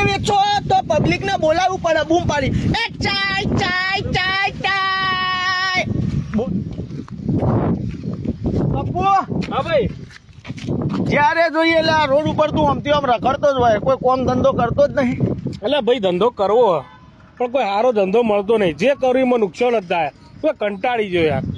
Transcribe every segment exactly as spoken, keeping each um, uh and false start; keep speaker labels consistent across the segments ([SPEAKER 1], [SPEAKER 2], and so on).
[SPEAKER 1] વેચો તો પબ્લિક ને બોલાવવું પડે, બૂમ પાડી, એ ચાય ચાય ચાય ચાય. પપ્પુ,
[SPEAKER 2] હા ભાઈ,
[SPEAKER 1] જ્યારે જોઈએ એટલે આ રોડ ઉપર તું આમથી આમ રખડતો જ હોય, કોઈ કોમ ધંધો કરતો જ નહીં.
[SPEAKER 2] એટલે ભાઈ ધંધો કરવો પણ કોઈ સારો ધંધો મળતો નહીં. જે કર્યું એમાં નુકસાન જ થાય. કોઈ કંટાળી ગયો યાર.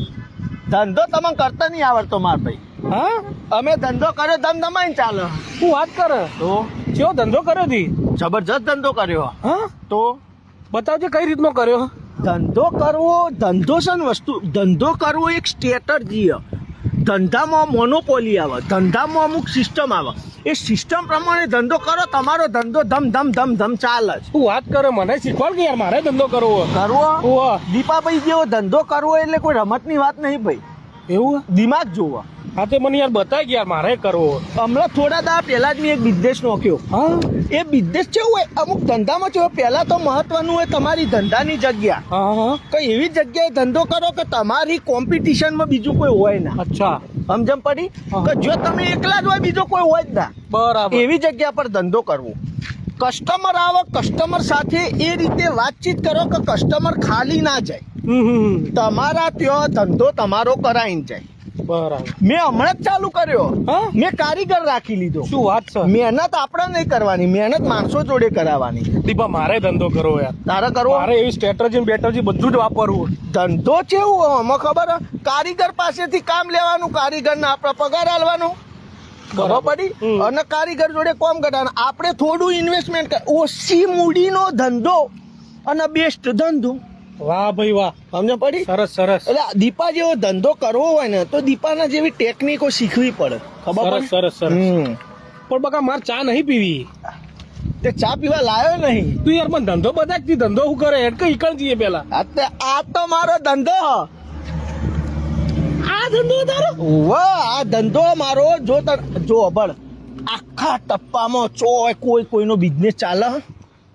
[SPEAKER 1] ધંધો તમે કરતા નહીં આવડતો માર ભાઈ.
[SPEAKER 2] હા,
[SPEAKER 1] અમે ધંધો કર્યો ધમ ધમાઈને ચાલે.
[SPEAKER 2] તું વાત કરે
[SPEAKER 1] તો
[SPEAKER 2] કેવો ધંધો કર્યો તી?
[SPEAKER 1] જબરજસ્ત ધંધો કર્યો.
[SPEAKER 2] હા,
[SPEAKER 1] તો
[SPEAKER 2] બતાવજે કઈ રીતનો કર્યો.
[SPEAKER 1] ધંધો કરવો, ધંધો છે ને વસ્તુ, ધંધો કરવો એક સ્ટ્રેટજી. ધંધામાં મોનોપોલી આવે, ધંધામાં અમુક સિસ્ટમ આવે. એ સિસ્ટમ પ્રમાણે ધંધો કરો, તમારો ધંધો ધમ ધમ ધમ ધમ ચાલે છે.
[SPEAKER 2] તું વાત કરે, મને શીખવાડ કે યાર, મારે ધંધો કરવો
[SPEAKER 1] કરવો
[SPEAKER 2] ઓહો.
[SPEAKER 1] દીપાભાઈ જેવો ધંધો કરવો એટલે કોઈ રમતની વાત નહીં ભાઈ.
[SPEAKER 2] એવું?
[SPEAKER 1] દિમાગ જોવો.
[SPEAKER 2] હા, તે મને યાર બતાય કે યાર મારે કરવો.
[SPEAKER 1] હમણાં થોડા દા પહેલા જ મેં એક બિઝનેસ નોખ્યો.
[SPEAKER 2] હા,
[SPEAKER 1] એ બિઝનેસ કેવું હોય, અમુક ધંધામાં કેવું, પહેલા તો મહત્વનું હોય તમારી ધંધાની જગ્યા.
[SPEAKER 2] હા હા,
[SPEAKER 1] કઈ એવી જગ્યાએ ધંધો કરો કે તમારી કોમ્પિટિશનમાં બીજું કોઈ હોય ના.
[SPEAKER 2] અચ્છા,
[SPEAKER 1] સમજમ પડી કે જો તમે એકલા જ હોય, બીજો કોઈ હોય જ ના.
[SPEAKER 2] બરાબર.
[SPEAKER 1] એવી જગ્યા પર ધંધો કરવો. કસ્ટમર આવે, કસ્ટમર સાથે એ રીતે વાતચીત કરો કે કસ્ટમર ખાલી ના જાય.
[SPEAKER 2] હમ હમ,
[SPEAKER 1] તમારા ત્યાં ધંધો તમારો કરાઈને જાય.
[SPEAKER 2] બરાબર.
[SPEAKER 1] મેં હમણાં જ ચાલુ કર્યો.
[SPEAKER 2] હા?
[SPEAKER 1] મેં કારીગર રાખી લીધો.
[SPEAKER 2] શું વાત છે?
[SPEAKER 1] મહેનત આપણે નહીં કરવાની, મહેનત માણસો જોડે કરાવવાની.
[SPEAKER 2] દીપા, મારે ધંધો કરવો યાર.
[SPEAKER 1] તારે કરવો?
[SPEAKER 2] મારે એવી સ્ટ્રેટેજી બેટરજી બધું જ વાપરવું.
[SPEAKER 1] ધંધો કેવું આમાં ખબર હે? કારીગર પાસેથી કામ લેવાનું, કારીગરને આપણે પગાર આલવાનો. ખબર પડી?
[SPEAKER 2] હમ.
[SPEAKER 1] અને કારીગર જોડે કામ કરવાનું. આપણે થોડું ઇન્વેસ્ટમેન્ટ, ઓછી મૂડીનો ધંધો અને બેસ્ટ ધંધો.
[SPEAKER 2] વાહ ભાઈ વાહ,
[SPEAKER 1] સમજ પડી?
[SPEAKER 2] સરસ સરસ
[SPEAKER 1] એટલે દીપા જેવો ધંધો કરવો હોય ને તો દીપાના જેવી ટેકનિકો શીખવી પડે. ખબર
[SPEAKER 2] સરસ
[SPEAKER 1] પડી?
[SPEAKER 2] સરસ સરસ.
[SPEAKER 1] હમ.
[SPEAKER 2] પણ બકા મારે ચા નહીં પીવી.
[SPEAKER 1] તે ચા પીવા લાયો નહીં.
[SPEAKER 2] તું યાર મને ધંધો બતાવતી, ધંધો શું કરે હેડ કઈ ઈકણ જઈએ પેલા.
[SPEAKER 1] આ તે- આ તો મારો ધંધો હ.
[SPEAKER 2] આ ધંધો તારો?
[SPEAKER 1] વાહ, આ ધંધો મારો. જો તર જો બળ આખા ટપ્પામાં ચોય કોઈ કોઈનો બિઝનેસ ચાલે હ?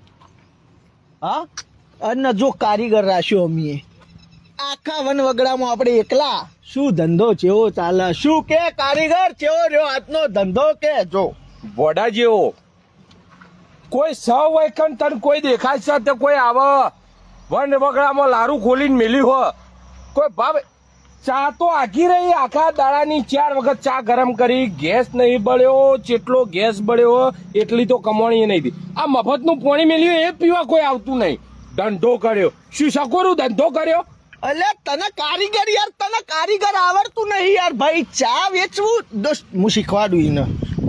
[SPEAKER 1] હા, અને જો કારીગર રાખ્યો અમીએ આખા વનવગડામાં આપણે એકલા. શું ધંધો ચેવો ચાલે? શું કે કારીગર ચેવો રહ્યો આજનો ધંધો? કે જો
[SPEAKER 2] વડા જેવો કોઈ સૌ વૈકન તન કોઈ દેખાય છે તે કોઈ આવે વન વગડામાં લારું ખોલીને મેલ્યું હો કોઈ ભાવ. ચા તો આખી રહી, આખા દાડાની ચાર વખત ચા ગરમ કરી, ગેસ નહીં બળ્યો, જેટલો ગેસ બળ્યો એટલી તો કમાણી નહીં હતી. આ મફતનું પાણી મેલ્યું એ પીવા કોઈ આવતું નહીં. ધંધો કર્યો, શું સકોરું ધંધો કર્યો.
[SPEAKER 1] અલે તને કારીગર યાર, તને કારીગર આવડતું નહીં યાર ભાઈ. ચા વેચવું દોસ્ત હું શીખવાડું એને.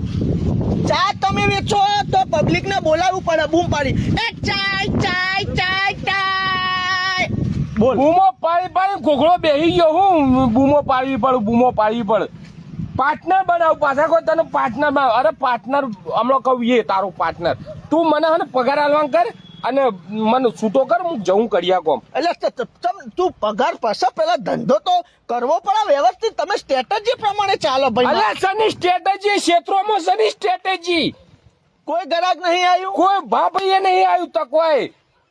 [SPEAKER 1] ચા તમે વેચો તો પબ્લિક ને બોલાવવું પડે, બૂમ પાડી, એ ચાય ચાય ચાય ચાય. બોલ.
[SPEAKER 2] બૂમો પાડી પાડી ઘોઘળો બેસી ગયો. હું બૂમો પાડવી પડે, બૂમો પાડવી પડે. પાર્ટનર બનાવ પાછા કોઈ તને પાર્ટનર બનાવ. અરે પાર્ટનર હમણાં કહું એ તારું પાર્ટનર. તું મને હે ને પગાર આલવાનું કર અને મને છૂટો કર, હું જવું કર્યા કોમ.
[SPEAKER 1] એટલે તું પગાર પાસે પેલા ધંધો તો કરવો પડે વ્યવસ્થિત. તમે સ્ટ્રેટેજી પ્રમાણે ચાલો ભાઈ.
[SPEAKER 2] અલ્યા સની સ્ટ્રેટેજી ક્ષેત્રોમાં સની સ્ટ્રેટેજી.
[SPEAKER 1] કોઈ ગ્રાહક નહીં આવ્યું,
[SPEAKER 2] કોઈ ભાભીએ નહીં આવ્યું તો કોઈ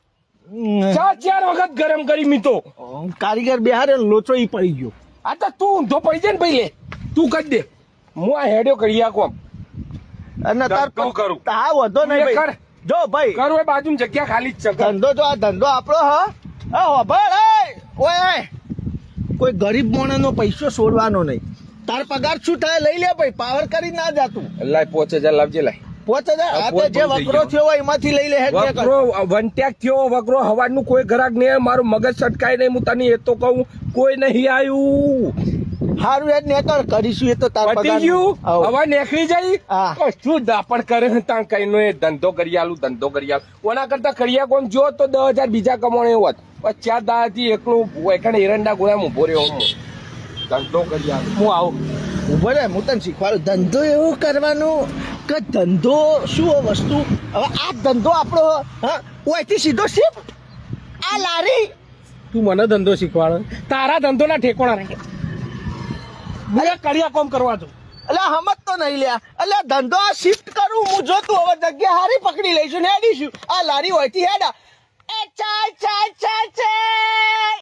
[SPEAKER 2] ચાર ચાર વખત ગરમ કરી મીતો.
[SPEAKER 1] કારીગર બિહારે લોચો ઈ પડી ગયો.
[SPEAKER 2] આ તો તું ઊંધો પડી જાય ને ભાઈ, લે તું કરી દે, હું આ હેડ્યો કર્યા કોમ.
[SPEAKER 1] અને તાર
[SPEAKER 2] ધંધો કરું.
[SPEAKER 1] હા વધો નહીં
[SPEAKER 2] તું એ
[SPEAKER 1] ભાઈ. જો ભાઈ
[SPEAKER 2] કરું એ બાજુ જગ્યા ખાલી જ છે.
[SPEAKER 1] ધંધો જો આ ધંધો આપણો હ હા હોભળ એ ઓય એ. કોઈ ગરીબ માણસનો પૈસો છોડવાનો નહીં. તાર પગાર શું થાય લઈ લે ભાઈ, પાવર કરી ના જાતું.
[SPEAKER 2] લાય પાંચ હજાર લાવજે. લાય
[SPEAKER 1] પોચ હજાર આ તો જે વકરો થયો હોય એમાંથી લઈ લે. હેડ જે કર.
[SPEAKER 2] વકરો વંટ્યાક થયો વકરો હવાનું કોઈ ગ્રાહક નહીં. મારું મગજ સટકાય નહીં. હું તને એ તો કહું કોઈ નહીં આવ્યું.
[SPEAKER 1] હારું હેડ નેકળ કરીશું એ તો તાર
[SPEAKER 2] પતી
[SPEAKER 1] પગાર.
[SPEAKER 2] ગયું
[SPEAKER 1] આવો.
[SPEAKER 2] હવે નીકળી જાય.
[SPEAKER 1] હા.
[SPEAKER 2] તો શું દાપણ કરે ત્યાં કઈ નો એ ધંધો કરી આલું, ધંધો કરી આલું. ઓના કરતા કરિયા કોમ જો તો દસ હજાર બીજા કમાણે હોત. પણ ચાર દાડાથી એકલું એખાને એરંડા ગોળા ઉભો રહ્યો હું. ધંધો કરી આલું. હું આવું
[SPEAKER 1] ઉભો રે, હું તને શીખવાડું. ધંધો એવું કરવાનું કે ધંધો શું વસ્તુ. હવે આ ધંધો આપણો હા ઓયથી સીધો શિફ્ટ આ લારી.
[SPEAKER 2] તું મને ધંધો શીખવાડે. તારા ધંધો ના ઠેકોણા રહે. અરે કરિયા કોમ કરવા દો.
[SPEAKER 1] એટલે હમત તો નહીં લ્યા. એટલે ધંધો આ શિફ્ટ કરું હું જોતું. હવે જગ્યા હારી પકડી લઈશું ને હેડીશું. આ લારી હોયથી હેડા. એ ચાય ચાય ચાય ચાય.